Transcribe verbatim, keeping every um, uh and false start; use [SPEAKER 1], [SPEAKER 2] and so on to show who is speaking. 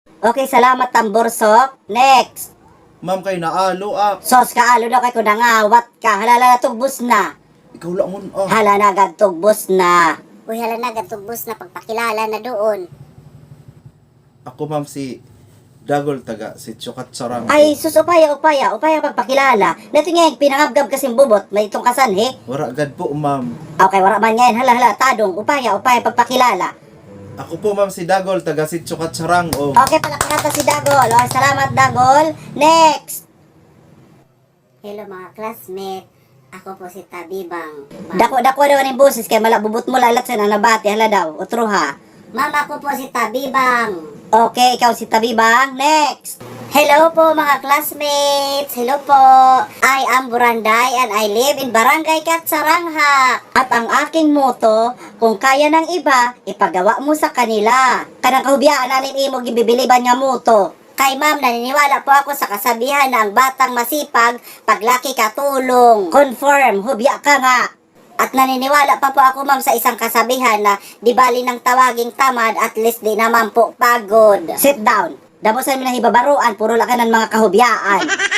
[SPEAKER 1] Okay, salamat tamborsok. Next.
[SPEAKER 2] Ma'am kay naalo ah.
[SPEAKER 1] Sos ka alo daw kay kung nangawat ka. Halala na tugbos na.
[SPEAKER 2] Ikaw lang mun ah.
[SPEAKER 1] Hala na agad tugbos na.
[SPEAKER 3] Uy, hala na, gatubos na pagpakilala na doon.
[SPEAKER 2] Ako ma'am si Dagol taga si Chukat Sarang.
[SPEAKER 1] Ay, sus, upaya, upaya, upaya pagpakilala. Nato nga, pinangabgab kasing bubot, may itong kasanhi.
[SPEAKER 2] Wara gad po ma'am.
[SPEAKER 1] Okay, wala man ngayon, hala, hala, tadong, upaya, upaya pagpakilala.
[SPEAKER 2] Ako po ma'am si Dagol taga si Chukat Sarang oh.
[SPEAKER 1] Okay, palakata si Dagol. O, salamat, Dagol. Next.
[SPEAKER 3] Hello mga classmate. Ako po si Tabibang. Ma-
[SPEAKER 1] Dako, dako daw ang boses, kaya malabubot mo lalat sa nabati, hala daw, utro ha.
[SPEAKER 3] Ma'am, ako po si Tabibang.
[SPEAKER 1] Okay, ikaw si Tabibang. Next.
[SPEAKER 3] Hello po mga classmates. Hello po. I am Buranday and I live in Barangay Katsarangha.
[SPEAKER 1] At ang aking moto, kung kaya ng iba, ipagawa mo sa kanila. Kanang kahubiyaan namin imo gibibiliban nga moto.
[SPEAKER 3] Kay ma'am, naniniwala po ako sa kasabihan na ang batang masipag, paglaki katulong.
[SPEAKER 1] Confirm, hubya ka nga.
[SPEAKER 3] At naniniwala pa po ako ma'am sa isang kasabihan na di bali ng tawaging tamad, at least di naman po pagod.
[SPEAKER 1] Sit down. Damo sa mga hibabaruan, puro lakanan mga kahubiyaan.